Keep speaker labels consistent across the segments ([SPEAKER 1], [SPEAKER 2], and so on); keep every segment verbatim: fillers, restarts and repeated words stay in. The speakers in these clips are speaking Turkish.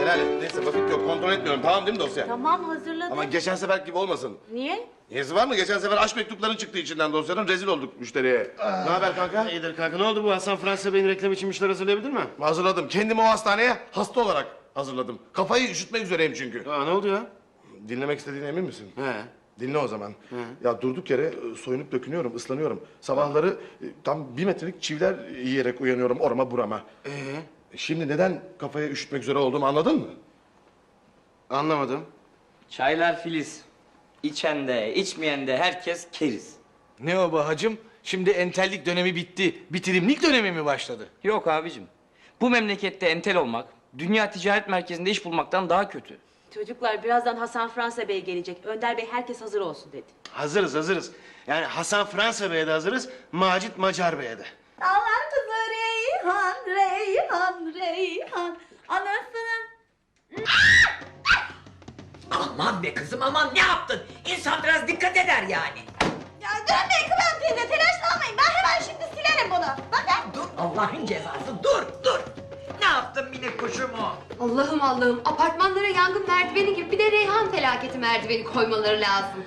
[SPEAKER 1] helal et. Neyse vakit yok, kontrol etmiyorum. Tamam değil mi dosya?
[SPEAKER 2] Tamam hazırladım.
[SPEAKER 1] Ama geçen sefer gibi olmasın.
[SPEAKER 2] Niye?
[SPEAKER 1] Niyesi var mı? Geçen sefer aşk mektupların çıktı içinden dosyanın. Rezil olduk müşteriye. Ne haber kanka?
[SPEAKER 3] İyidir kanka. Ne oldu bu Hasan Fransa Bey'in reklam için müşteri hazırlayabildin mi?
[SPEAKER 1] Hazırladım. Kendimi o hastaneye hasta olarak hazırladım. Kafayı üşütmek üzereyim çünkü.
[SPEAKER 3] Aa, ne oldu ya?
[SPEAKER 1] Dinlemek istediğine emin misin?
[SPEAKER 3] He.
[SPEAKER 1] Dinle o zaman. Ya durduk yere e, soyunup dökünüyorum, ıslanıyorum. Sabahları e, tam bir metrelik çiviler yiyerek uyanıyorum orama burama.
[SPEAKER 3] Ee?
[SPEAKER 1] Şimdi neden kafaya üşütmek üzere olduğumu anladın mı?
[SPEAKER 3] Anlamadım.
[SPEAKER 4] Çaylar filiz. İçen de, içmeyen de herkes keriz.
[SPEAKER 5] Ne o be hacım? Şimdi entellik dönemi bitti. Bitirimlik dönemi mi başladı?
[SPEAKER 4] Yok abicim. Bu memlekette entel olmak, dünya ticaret merkezinde iş bulmaktan daha kötü.
[SPEAKER 2] Çocuklar birazdan Hasan Fransa Bey gelecek. Önder Bey herkes hazır olsun dedi.
[SPEAKER 3] Hazırız hazırız. Yani Hasan Fransa Bey'e de hazırız. Macit Macar Bey'e de.
[SPEAKER 6] Dağlar kızı Reyhan, Reyhan, Reyhan. Anasının...
[SPEAKER 7] Aman be kızım aman ne yaptın? İnsan biraz dikkat eder yani.
[SPEAKER 6] Ya dönmeyin Kıvam teyze, telaşlanmayın. Ben hemen şimdi silerim bunu. Bakın.
[SPEAKER 7] Dur Allah'ın cezası dur dur. Ne yaptın minik kuşumu?
[SPEAKER 8] Allah'ım Allah'ım, apartmanlara yangın merdiveni gibi bir de Reyhan felaketi merdiveni koymaları lazım.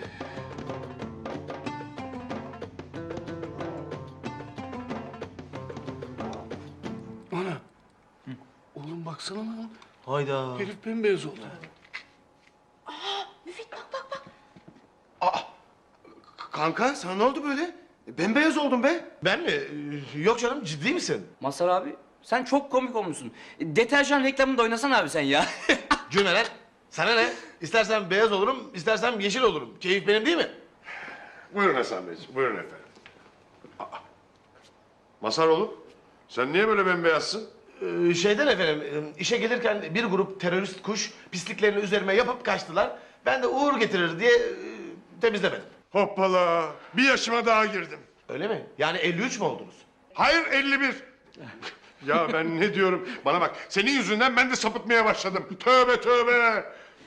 [SPEAKER 5] Ana. Oğlum baksana lan.
[SPEAKER 3] Hayda.
[SPEAKER 5] Herif bembeyaz oldu.
[SPEAKER 6] Müfit bak bak bak.
[SPEAKER 3] Kanka sana ne oldu böyle? E, Bembeyaz oldun be.
[SPEAKER 1] Ben mi? Ee, Yok canım, ciddi misin?
[SPEAKER 4] Mazhar abi, sen çok komik olmuşsun. E, Deterjan reklamında oynasana abi sen ya.
[SPEAKER 1] Cümleler. Sana ne? İstersen beyaz olurum, istersen yeşil olurum. Keyif benim değil mi?
[SPEAKER 9] Buyurun Hasan Beyciğim, buyurun efendim. Aa, Masaroğlu, sen niye böyle bembeyazsın?
[SPEAKER 1] Ee, şeyden efendim, e, işe gelirken bir grup terörist kuş pisliklerini üzerime yapıp kaçtılar. Ben de uğur getirir diye e, temizlemedim.
[SPEAKER 9] Hoppala, bir yaşıma daha girdim.
[SPEAKER 1] Öyle mi? Yani elli üç mü oldunuz?
[SPEAKER 9] Hayır, elli bir. Ya ben ne diyorum? Bana bak, senin yüzünden ben de sapıtmaya başladım. Tövbe tövbe.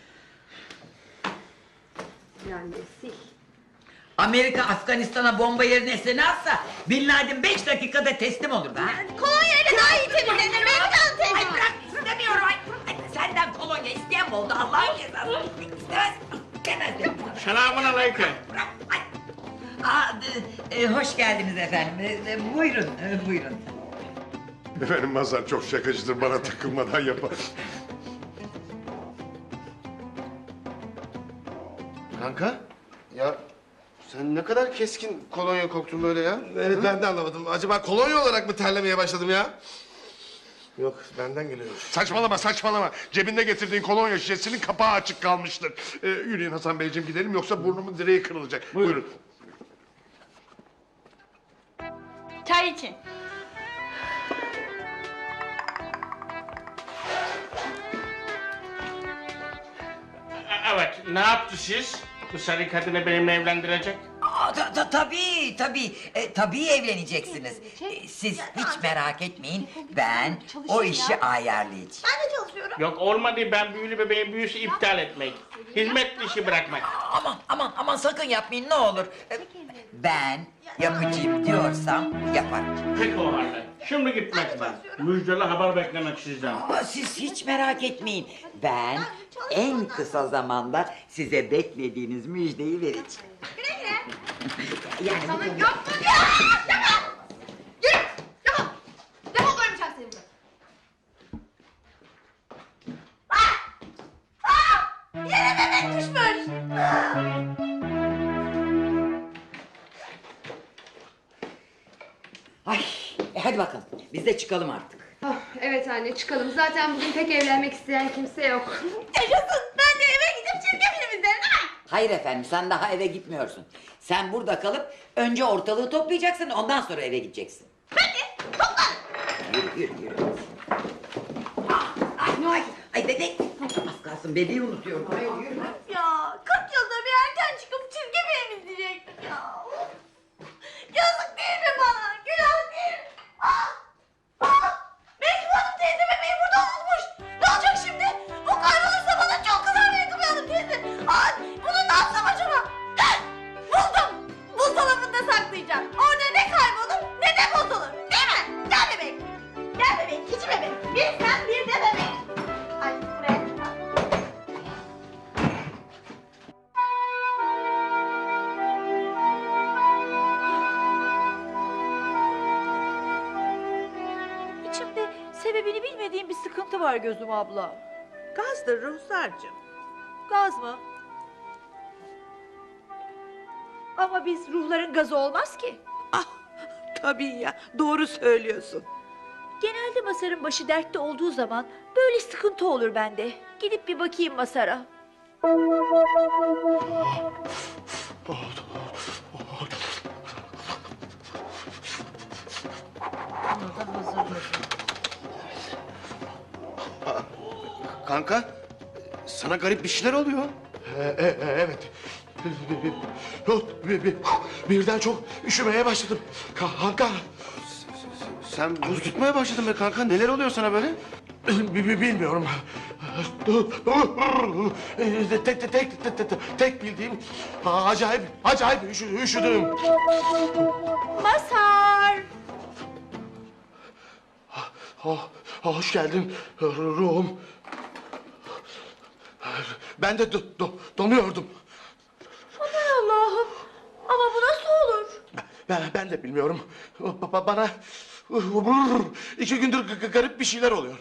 [SPEAKER 8] Yani sil.
[SPEAKER 7] Amerika Afganistan'a bomba yerine eseni atsa Bin Laden beş dakikada teslim olurdu ha.
[SPEAKER 6] Kolonya ile daha iyi temizlenir. Ben kan teyze.
[SPEAKER 7] Ay bırak istemiyorum ay. Ay, senden kolonya isteyen mi oldu Allah'ın cezası? İstemez. İstemez.
[SPEAKER 5] Selamun aleyküm.
[SPEAKER 7] Bırak. Ay. Aa, e, e, hoş geldiniz efendim. E, e, buyurun, e, buyurun.
[SPEAKER 9] Efendim Mazhar çok şakacıdır, bana takılmadan yapar.
[SPEAKER 3] Kanka. Ya sen ne kadar keskin kolonya koktun böyle ya.
[SPEAKER 1] Evet, ben de anlamadım. Acaba kolonya olarak mı terlemeye başladım ya? Yok, benden geliyor.
[SPEAKER 9] Saçmalama saçmalama. Cebinde getirdiğin kolonya şişesinin kapağı açık kalmıştır. Ee, yürüyün Hasan Beyciğim gidelim yoksa burnumun direği kırılacak. Buyurun.
[SPEAKER 6] Çay için.
[SPEAKER 5] Evet, ne yaptı siz? Bu sarı kadını benimle evlendirecek.
[SPEAKER 7] Aa, ta, ta, tabii, tabii, e, tabii evleneceksiniz. E, siz hiç merak etmeyin, ben o işi ayarlayacağım.
[SPEAKER 6] Ben de çalışıyorum.
[SPEAKER 5] Yok olmadı, ben büyülü bebeğin büyüsü iptal etmek. Hizmet işi bırakmak.
[SPEAKER 7] Aman, aman, aman sakın yapmayın ne olur. E, ben yapacağım diyorsam yaparım.
[SPEAKER 5] Peki o halde. Şimdi gitmek ben. Müjdeli haber beklemek sizden.
[SPEAKER 7] Ama siz hiç merak etmeyin, ben en kısa zamanda size beklediğiniz müjdeyi vereceğim.
[SPEAKER 6] Güle güle.
[SPEAKER 7] Yani bu konuda-
[SPEAKER 8] Yok ya! Yapma! Yürü! Defol! Defol koymayacağım seni buraya.
[SPEAKER 6] Yere bebek düşmüş.
[SPEAKER 7] Ay, e hadi bakalım, biz de çıkalım artık.
[SPEAKER 8] Oh, evet anne çıkalım. Zaten bugün pek evlenmek isteyen kimse yok.
[SPEAKER 6] Yaşasın. Ben de eve gidip çizgi film izlerim değil mi?
[SPEAKER 7] Hayır efendim, sen daha eve gitmiyorsun. Sen burada kalıp önce ortalığı toplayacaksın, ondan sonra eve gideceksin.
[SPEAKER 6] Peki. Topla.
[SPEAKER 7] Yürü, yürü, yürü. Ah, ay, ay, ay bebek. Az kalsın bebeği unutuyorum. Ay, yürü.
[SPEAKER 6] Ya kırk yılda bir erken çıkıp çizgi film izleyecektik ya. Yazık değil mi bana? Günah değil mi? Ah! Ah! Menkıbe Hanım teyze bebeği burada unutmuş. Ne olacak şimdi? Bu kaybolursa bana çok kızar Menkıbe Hanım teyze. Ay, bunu ne yapsam acaba? Heh! Buldum. Buzdolabında saklayacağım. Orada ne kaybolur ne de bozulur. Değil mi? Gel bebek. Gel bebek. İki bebek. Bir sen bir de bebek. Ay buraya. bilmediğim bir sıkıntı var gözüm abla.
[SPEAKER 10] Gazdır Ruhsar'cığım.
[SPEAKER 6] Gaz mı? Ama biz ruhların gazı olmaz ki.
[SPEAKER 10] Ah, tabii ya, doğru söylüyorsun.
[SPEAKER 6] Genelde Masar'ın başı dertte olduğu zaman böyle sıkıntı olur bende. Gidip bir bakayım Masar'a.
[SPEAKER 3] Kanka, sana garip bir şeyler oluyor.
[SPEAKER 1] E, e, e, evet. Bir- bir- Birden çok üşümeye başladım. Kanka.
[SPEAKER 3] Sen buz tutmaya başladın be kanka. Neler oluyor sana böyle?
[SPEAKER 1] Bi- bi- Bilmiyorum. Tek tek tek tek tek tek bildiğim acayip acayip üşü- üşüdüm.
[SPEAKER 6] Masar!
[SPEAKER 1] Oh, hoş geldin ruhum. Ben de do- do- donuyordum.
[SPEAKER 6] Aman Allah'ım! Ama bu nasıl olur?
[SPEAKER 1] Ben, ben de bilmiyorum. Ba- Bana iki gündür g- garip bir şeyler oluyor.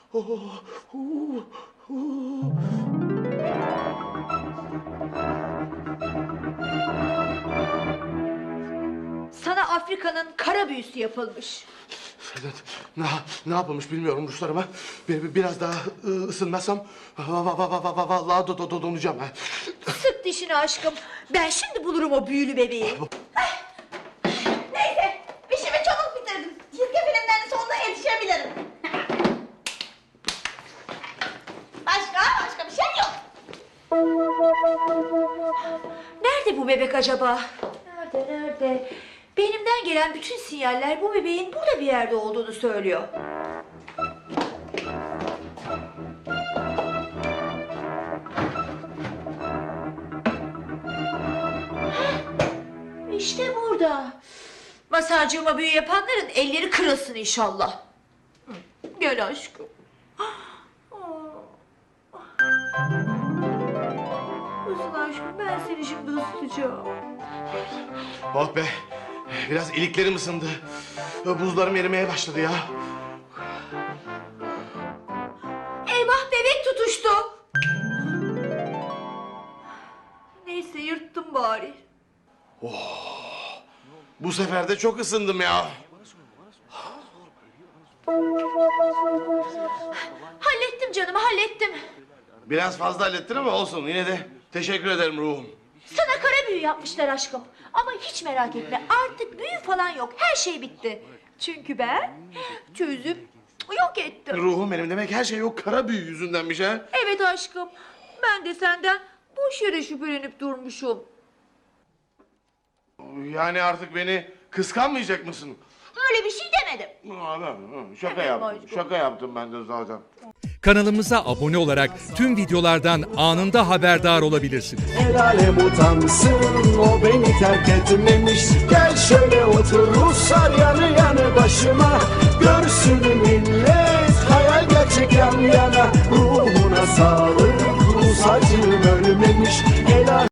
[SPEAKER 6] Sana Afrika'nın kara büyüsü yapılmış.
[SPEAKER 1] Evet, ne, ne yapılmış bilmiyorum Ruslar ama bi- biraz daha ı, ısınmazsam va- va- va- va- va- vallahi do- do- do- donacağım. ha.
[SPEAKER 6] Sık dişini aşkım. Ben şimdi bulurum o büyülü bebeği.
[SPEAKER 11] Neyse, işimi çabuk bitirdim. Çizgi filmlerin sonuna yetişebilirim. Başka, başka bir şey yok.
[SPEAKER 6] Nerede bu bebek acaba? Nerede, nerede? Benimden gelen bütün sinyaller bu bebeğin burada bir yerde olduğunu söylüyor. Heh, İşte burada. Masarcığıma büyü yapanların elleri kırılsın inşallah. Hı, Gel aşkım. Isın aşkım, ben seni şimdi ısıtacağım.
[SPEAKER 1] Oh be, biraz iliklerim ısındı. Buzlarım erimeye başladı ya.
[SPEAKER 6] Eyvah, bebek tutuştu. Neyse, yırttım bari.
[SPEAKER 1] Bu sefer de çok ısındım ya.
[SPEAKER 6] Hallettim canım, hallettim.
[SPEAKER 1] Biraz fazla hallettin ama olsun, yine de teşekkür ederim ruhum.
[SPEAKER 6] Sana kara büyü yapmışlar aşkım. Ama hiç merak etme, artık büyü falan yok. Her şey bitti. Çünkü ben çözüp yok ettim.
[SPEAKER 1] Ruhum benim, demek her şey o kara büyü yüzündenmiş ha.
[SPEAKER 6] Evet aşkım, ben de senden boş yere şüphelenip durmuşum.
[SPEAKER 1] Yani artık beni kıskanmayacak mısın?
[SPEAKER 6] Öyle bir şey demedim.
[SPEAKER 1] Aa, ben- Şaka
[SPEAKER 6] Evet,
[SPEAKER 1] yaptım,
[SPEAKER 6] aşkım.
[SPEAKER 1] şaka yaptım ben de zaten.
[SPEAKER 12] Kanalımıza abone olarak tüm videolardan anında haberdar olabilirsiniz.
[SPEAKER 13] El alem utansın, o beni terk etmemiş. Gel şöyle otur Ruslar yanı yanı başıma. Görsün millet, hayal gerçek yan yana. Ruhuna sağlık, Rus acım ölmemiş. El alem-